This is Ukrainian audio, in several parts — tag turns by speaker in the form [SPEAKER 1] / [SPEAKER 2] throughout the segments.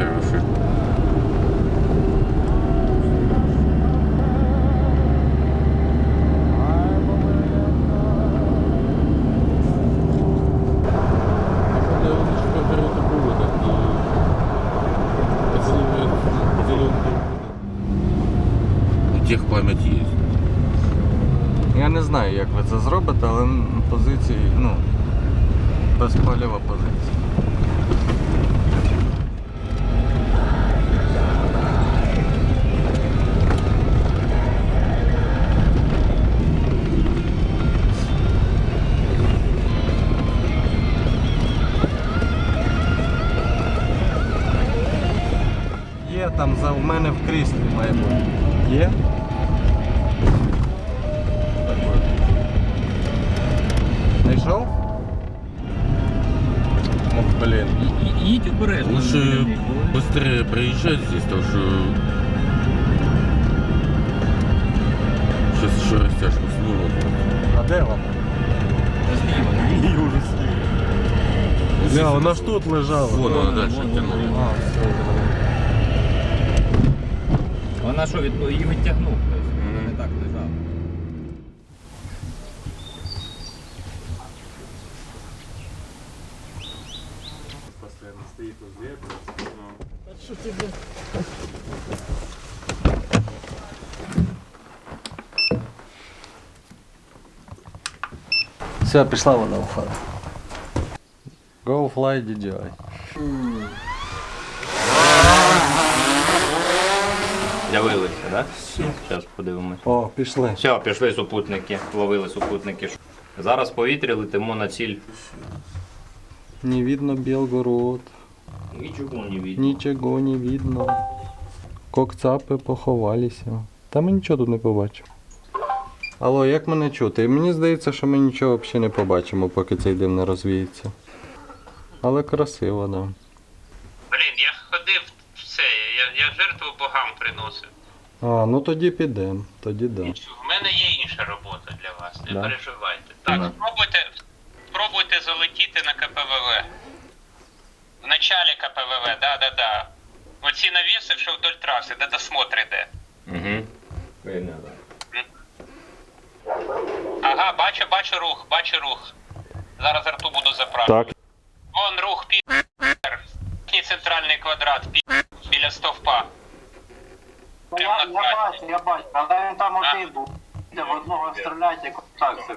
[SPEAKER 1] хороший. Техпам'ять є.
[SPEAKER 2] Я не знаю, як ви це зробите, але позиції, безпалєва позиція. Є там в мене в кріслі має бути. Є? Знайшов? Ох, блін.
[SPEAKER 3] Їдь обережно.
[SPEAKER 1] Лучше быстрее проезжать здесь, потому что сейчас еще растяжку снова.
[SPEAKER 2] А де вона? Її вже сліва. Вона ж тут лежала.
[SPEAKER 1] Вон она дальше тянула.
[SPEAKER 2] А, все.
[SPEAKER 3] Вона що, її відтягнув? Вона не так лежала.
[SPEAKER 2] Постоянно стоит возле этого. А что тебе? Все, пішла вона у фару. Go fly DJI.
[SPEAKER 3] З'явилися, так? Зараз подивимось.
[SPEAKER 2] О, пішли.
[SPEAKER 3] Все, пішли супутники, ловили супутники. Зараз в повітрі летимо на ціль.
[SPEAKER 2] Не видно Белгород.
[SPEAKER 3] Нічого не видно.
[SPEAKER 2] Нічого не видно. Кокцапи поховалися. Та ми нічого тут не побачимо. Алло, як мене чути? Мені здається, що ми нічого взагалі не побачимо, поки цей дим не розвіється. Але красиво, да.
[SPEAKER 4] Блін, я ходив в це, я жертву богам приносив.
[SPEAKER 2] А, ну тоді підемо. Тоді да.
[SPEAKER 4] В мене є інша робота для вас, не
[SPEAKER 3] Да.
[SPEAKER 4] переживайте. Так, спробуйте залетіти на КПВВ. В началі КПВВ, да. Оці навіси, що вдоль траси, де досмотр іде.
[SPEAKER 3] Угу. Видно, так.
[SPEAKER 4] Ага, бачу рух. Зараз рту буду заправити.
[SPEAKER 5] Так.
[SPEAKER 4] Вон рух, Верхній центральний квадрат, біля стовпа.
[SPEAKER 6] Я бачу, але він там один був. В одного стріляють, як так.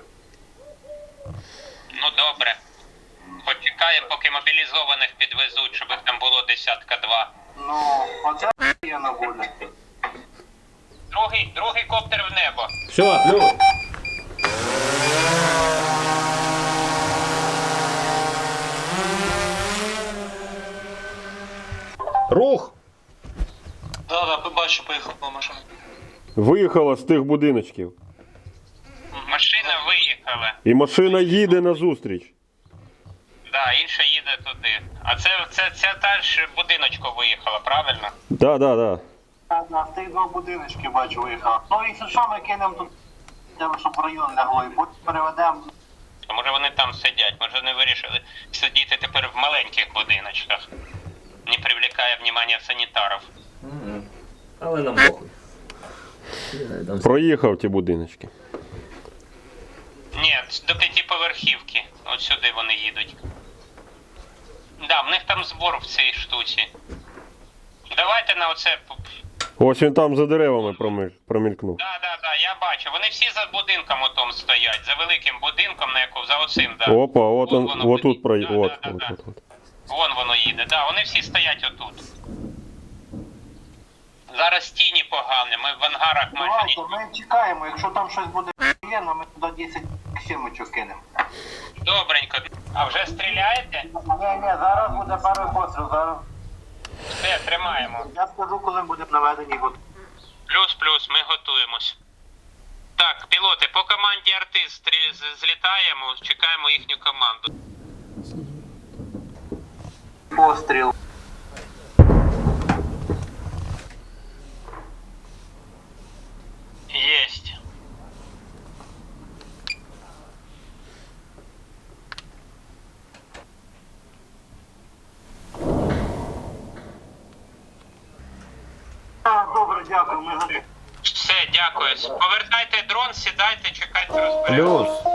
[SPEAKER 4] Ну добре. Почекаємо, поки мобілізованих підвезуть, щоб їх там було десятка-два.
[SPEAKER 6] Ну, оце є на волі.
[SPEAKER 4] Другий коптер в небо.
[SPEAKER 3] Все, плюс.
[SPEAKER 5] Рух!
[SPEAKER 7] Да, побачу, поїхала машина.
[SPEAKER 5] Виїхала з тих будиночків.
[SPEAKER 4] Машина виїхала.
[SPEAKER 5] І машина їде назустріч.
[SPEAKER 4] Да, інша їде туди. А це та ж будиночко виїхала, правильно?
[SPEAKER 5] Да.
[SPEAKER 6] На тих два будиночки бачу виїхав. Ну, якщо що, ми кинемо тут, щоб в район лягло, і потім переведемо.
[SPEAKER 4] А може вони там сидять, може вони вирішили сидіти тепер в маленьких будиночках. Не привлекає внимання санітарів.
[SPEAKER 3] Але нам похуй.
[SPEAKER 5] Проїхав ті будиночки.
[SPEAKER 4] Ні, до 5-поверхівки. От сюди вони їдуть. Да, в них там збор в цій штуці. Давайте на оце.
[SPEAKER 5] Ось він там за деревами промількнув.
[SPEAKER 4] Да, я бачу. Вони всі за будинком отом стоять, за великим будинком, на яку, за оцим, да.
[SPEAKER 5] Опа, от
[SPEAKER 4] Вон
[SPEAKER 5] он,
[SPEAKER 4] воно
[SPEAKER 5] от тут
[SPEAKER 4] поїде.
[SPEAKER 5] проїхав.
[SPEAKER 4] Да. Вон воно їде, да, вони всі стоять отут. Зараз тіні погані, ми в ангарах майже
[SPEAKER 6] Давайте,
[SPEAKER 4] ні.
[SPEAKER 6] ми чекаємо, якщо там щось буде воєнно, ми туди 10 сімочок кинемо.
[SPEAKER 4] Добренько. А вже стріляєте?
[SPEAKER 6] Ні, зараз буде перший постріл, зараз.
[SPEAKER 4] Все, тримаємо.
[SPEAKER 6] Я скажу, коли буде наведені год.
[SPEAKER 4] Плюс, ми готуємось. Так, пілоти, по команді артист злітаємо, чекаємо їхню команду.
[SPEAKER 6] Постріл.
[SPEAKER 4] Єсть.
[SPEAKER 6] ми готові.
[SPEAKER 4] Все, дякую. Повертайте дрон, сідайте, чекайте, розберемося.
[SPEAKER 5] Плюс.